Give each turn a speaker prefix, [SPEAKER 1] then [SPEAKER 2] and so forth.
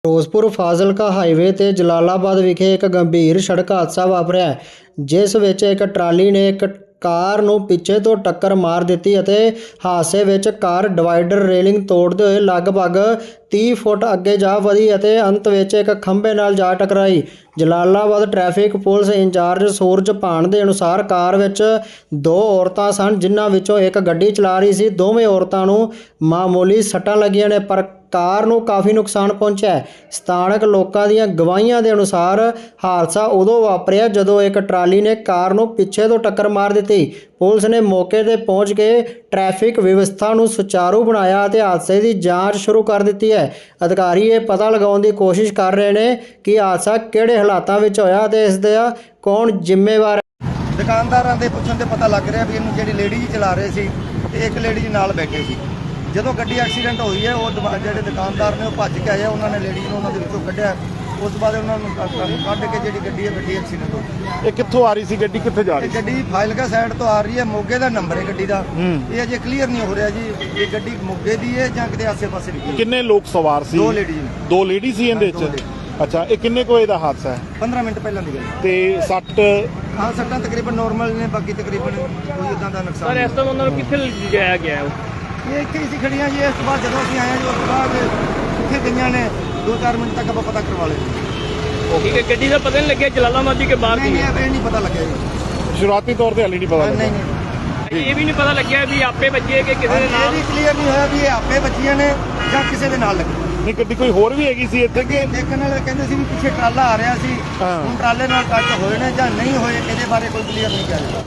[SPEAKER 1] Firozpur Fazilka highway ਤੇ ਜਲਾਲਾਬਾਦ ਵਿਖੇ ਇੱਕ ਗੰਭੀਰ ਸੜਕ ਹਾਦਸਾ ਵਾਪਰਿਆ ਹੈ, ਜਿਸ ਵਿੱਚ ਇੱਕ ਟਰਾਲੀ ਨੇ ਇੱਕ ਕਾਰ ਨੂੰ ਪਿੱਛੇ ਤੋਂ ਟੱਕਰ ਮਾਰ ਦਿੱਤੀ ਅਤੇ ਹਾਦਸੇ ਵਿੱਚ ਕਾਰ ਡਿਵਾਈਡਰ ਰੇਲਿੰਗ ਤੋੜਦੇ ਹੋਏ ਲਗਭਗ 30 ਫੁੱਟ ਅੱਗੇ ਜਾ ਵਧੀ ਅਤੇ ਅੰਤ ਵਿੱਚ ਇੱਕ ਖੰਭੇ ਨਾਲ ਜਾ ਟਕਰਾਈ। Jalalabad traffic police incharge Suraj Bhan ਦੇ ਅਨੁਸਾਰ ਕਾਰ ਵਿੱਚ ਦੋ ਔਰਤਾਂ ਸਨ, ਜਿਨ੍ਹਾਂ ਵਿੱਚੋਂ ਇੱਕ ਗੱਡੀ ਚਲਾ ਰਹੀ ਸੀ। ਦੋਵੇਂ ਔਰਤਾਂ ਨੂੰ ਮਾਮੂਲੀ ਸੱਟਾਂ ਲੱਗੀਆਂ ਨੇ, ਪਰ ਕਾਰ ਨੂੰ ਕਾਫੀ ਨੁਕਸਾਨ ਪਹੁੰਚਿਆ ਹੈ। ਸਥਾਨਕ ਲੋਕਾਂ ਦੀਆਂ ਗਵਾਹੀਆਂ ਦੇ ਅਨੁਸਾਰ ਹਾਦਸਾ ਉਦੋਂ ਵਾਪਰਿਆ ਜਦੋਂ ਇੱਕ ਟਰਾਲੀ ਨੇ ਕਾਰ ਨੂੰ ਪਿੱਛੇ ਤੋਂ ਟੱਕਰ ਮਾਰ ਦਿੱਤੀ। ਪੁਲਿਸ ਨੇ ਮੌਕੇ ਤੇ ਪਹੁੰਚ ਕੇ ਟ੍ਰੈਫਿਕ ਵਿਵਸਥਾ ਨੂੰ ਸੁਚਾਰੂ ਬਣਾਇਆ ਅਤੇ ਹਾਦਸੇ ਦੀ ਜਾਂਚ ਸ਼ੁਰੂ ਕਰ ਦਿੱਤੀ ਹੈ। ਅਧਿਕਾਰੀ ਇਹ ਪਤਾ ਲਗਾਉਣ ਦੀ ਕੋਸ਼ਿਸ਼ ਕਰ ਰਹੇ ਨੇ ਕਿ ਹਾਦਸਾ ਕਿਹੜੇ ਹਾਲਾਤਾਂ ਵਿੱਚ ਹੋਇਆ ਅਤੇ ਇਸ ਦਾ ਕੌਣ ਜ਼ਿੰਮੇਵਾਰ ਹੈ।
[SPEAKER 2] ਦੁਕਾਨਦਾਰਾਂ ਦੇ ਪੁੱਛਣ ਤੇ ਪਤਾ ਲੱਗ ਰਿਹਾ ਵੀ ਇਹਨੂੰ ਜਿਹੜੀ ਲੇਡੀ ਚਲਾ ਰਹੇ ਸੀ ਤੇ ਇੱਕ ਲੇਡੀ ਨਾਲ ਬੈਠੇ ਸੀ। ਜਦੋਂ ਗੱਡੀ ਐਕਸੀਡੈਂਟ ਹੋਈ ਹੈ ਉਹ ਜਿਹੜੇ ਦੁਕਾਨਦਾਰ ਨੇ ਉਹ ਭੱਜ ਕੇ ਆਏ, ਉਹਨਾਂ ਨੇ ਲੇਡੀ ਨੂੰ ਉਹਨਾਂ ਦੇ ਵਿੱਚੋਂ ਕੱਢਿਆ। ਉਸ ਤੋਂ ਬਾਅਦ ਉਹਨਾਂ ਨੂੰ ਕੱਢ ਕੇ ਜਿਹੜੀ ਗੱਡੀ ਹੈ ਗੱਡੀ ਐਕਸੀਡੈਂਟ ਹੋ ਗਈ।
[SPEAKER 3] ਇਹ ਕਿੱਥੋਂ ਆ ਰਹੀ ਸੀ ਗੱਡੀ, ਕਿੱਥੇ ਜਾ ਰਹੀ ਸੀ?
[SPEAKER 2] ਗੱਡੀ ਫਾਜ਼ਿਲਕਾ ਸਾਈਡ ਤੋਂ ਆ ਰਹੀ ਹੈ, ਮੋਗੇ ਦਾ ਨੰਬਰ ਹੈ ਗੱਡੀ ਦਾ। ਇਹ ਅਜੇ ਕਲੀਅਰ ਨਹੀਂ ਹੋ ਰਿਹਾ ਜੀ ਇਹ ਗੱਡੀ ਮੋਗੇ ਦੀ ਹੈ ਜਾਂ ਕਿਤੇ ਆਸੇ-ਪਾਸੇ ਦੀ।
[SPEAKER 3] ਕਿੰਨੇ ਲੋਕ ਸਵਾਰ ਸੀ?
[SPEAKER 2] ਦੋ ਲੇਡੀ ਨੇ।
[SPEAKER 3] ਦੋ ਲੇਡੀ ਸੀ ਇਹਦੇ ਵਿੱਚ? ਅੱਛਾ, ਇਹ ਕਿੰਨੇ ਕੁ ਵਜੇ ਦਾ ਹਾਦਸਾ ਹੈ?
[SPEAKER 2] 15 ਮਿੰਟ ਪਹਿਲਾਂ ਦੀ ਗੱਲ।
[SPEAKER 3] ਤੇ ਸੱਟ?
[SPEAKER 2] ਹਾਂ, ਸੱਟਾਂ ਤਕਰੀਬਨ ਨਾਰਮਲ ਨੇ, ਬਾਕੀ ਤਕਰੀਬਨ ਕੋਈ ਇਦਾਂ ਦਾ ਨੁਕਸਾਨ
[SPEAKER 4] ਸਰ ਇਸ ਤੋਂ ਉਹਨਾਂ ਨੂੰ ਕਿੱਥੇ ਲਿਜਾਇਆ ਗਿਆ ਹੈ?
[SPEAKER 2] ਇਹ ਇੱਥੇ ਹੀ ਸੀ ਖੜੀਆਂ ਜੀ। ਇਸ ਤੋਂ ਬਾਅਦ ਜਦੋਂ ਅਸੀਂ ਆਏ ਜੀ ਉਸ ਤੋਂ ਬਾਅਦ ਕਿੱਥੇ ਗਈਆਂ ਨੇ 2-4 ਮਿੰਟ ਤੱਕ ਆਪਾਂ ਪਤਾ ਕਰਵਾ ਲਿਆ।
[SPEAKER 4] ਠੀਕ ਹੈ, ਗੱਡੀ ਦਾ ਪਤਾ ਨਹੀਂ ਲੱਗਿਆ ਜਲਾਲਾਬਾਦ ਦੀ ਕਿ ਬਾਹਰ ਦੀ?
[SPEAKER 2] ਨਹੀਂ, ਇਹ ਨਹੀਂ ਪਤਾ ਲੱਗਿਆ ਜੀ।
[SPEAKER 3] ਸ਼ੁਰੂਆਤੀ ਤੌਰ ਤੇ ਹਾਲੇ ਨਹੀਂ ਪਤਾ
[SPEAKER 2] ਨਹੀਂ
[SPEAKER 3] ਲੱਗਾ।
[SPEAKER 4] ਇਹ ਵੀ ਨਹੀਂ ਪਤਾ ਲੱਗਿਆ ਵੀ ਆਪੇ ਵੱਜੇ ਕਿ ਕਿਸੇ ਦੇ
[SPEAKER 2] ਇਹ
[SPEAKER 4] ਨਾਲ?
[SPEAKER 2] ਵੀ ਕਲੀਅਰ ਨਹੀਂ ਹੋਇਆ ਵੀ ਇਹ ਆਪੇ ਬੱਚੀਆਂ ਨੇ ਜਾਂ ਕਿਸੇ ਦੇ ਨਾਲ ਲੱਗੀ।
[SPEAKER 3] ਨਹੀਂ, ਗੱਡੀ ਕੋਈ ਹੋਰ ਵੀ ਹੈਗੀ ਸੀ ਇੱਥੇ ਕਿ?
[SPEAKER 2] ਦੇਖਣ ਵਾਲੇ ਕਹਿੰਦੇ ਸੀ ਵੀ ਪਿੱਛੇ ਟਰਾਲਾ ਆ ਰਿਹਾ ਸੀ। ਹੁਣ ਟਰਾਲੇ ਨਾਲ ਟੱਚ ਹੋਏ ਨੇ ਜਾਂ ਨਹੀਂ ਹੋਏ, ਇਹਦੇ ਬਾਰੇ ਕੋਈ ਕਲੀਅਰ ਨਹੀਂ ਕਿਹਾ ਜਾਂਦਾ।